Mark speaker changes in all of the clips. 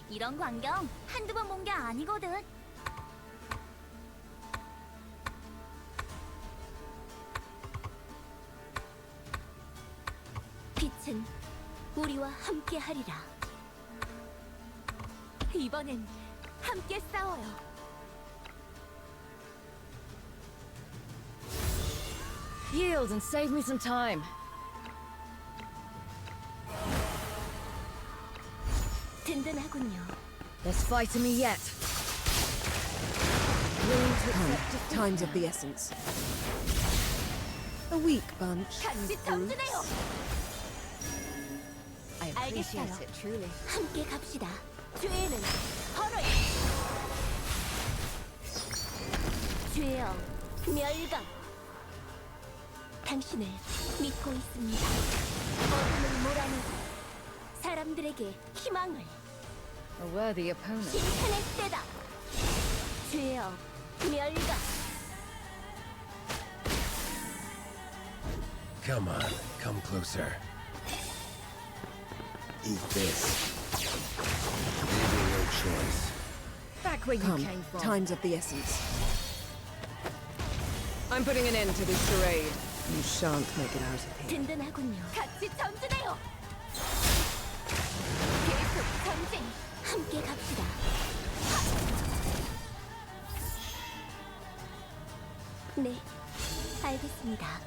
Speaker 1: 이런 광경 한두 번 본 게 아니거든. 빛은 우리와 함께 하리라. 이번엔 함께 싸워요.
Speaker 2: Yield and save me some time.
Speaker 1: 든든하군요.
Speaker 2: There's fight in me yet. Willing to accept defeat
Speaker 3: Times of
Speaker 2: now.
Speaker 3: the essence. A weak bunch.
Speaker 1: 같이 전진해요.
Speaker 2: I appreciate
Speaker 1: 알겠어요.
Speaker 2: it, truly.
Speaker 1: 함께 갑시다. 죄는 헐어요. 죄여 멸각. 당신을 믿고 있습니다. 어둠을 몰아내고 사람들에게 희망을.
Speaker 2: A worthy opponent.
Speaker 1: 심판의 때다. 죄여 멸각.
Speaker 4: Come on, come closer. Eat this. Maybe no choice.
Speaker 2: Back where you
Speaker 3: Come.
Speaker 2: came from.
Speaker 3: Times of the essence.
Speaker 5: I'm putting an end to this charade.
Speaker 3: You shan't make it out of here.
Speaker 1: 든든하군요. 같이 전진해요. 계속 전진. 함께 갑시다. 네, 알겠습니다.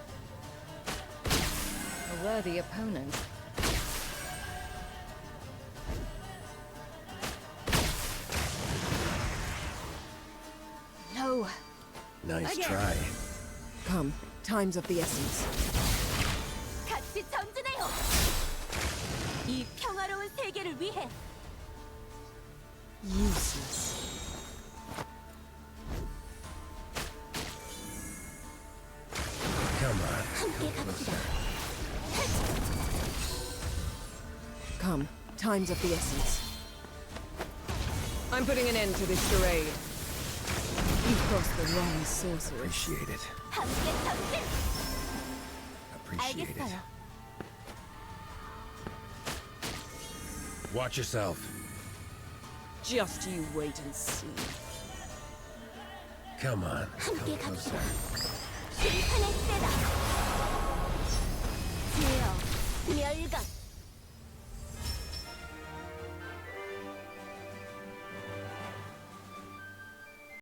Speaker 2: A worthy opponent. No.
Speaker 4: Nice
Speaker 2: Again.
Speaker 4: try.
Speaker 3: Come. Times of the essence.
Speaker 1: 같이 전진해요. 이 평화로운 세계를 위해.
Speaker 3: Useless.
Speaker 4: Come on,
Speaker 1: 함께
Speaker 4: come
Speaker 1: 갑시다.
Speaker 4: closer.
Speaker 3: Come. Times of the essence.
Speaker 5: I'm putting an end to this charade.
Speaker 3: You've crossed the wrong sorcerer.
Speaker 4: Appreciate it.
Speaker 1: 함께 전진.
Speaker 4: Appreciate it.
Speaker 1: 알겠어요.
Speaker 4: Watch yourself.
Speaker 5: Just you wait and see.
Speaker 4: Come on,
Speaker 1: 함께
Speaker 4: come
Speaker 1: 갑시다.
Speaker 4: closer.
Speaker 1: 심판의 때다. 죄여 멸각.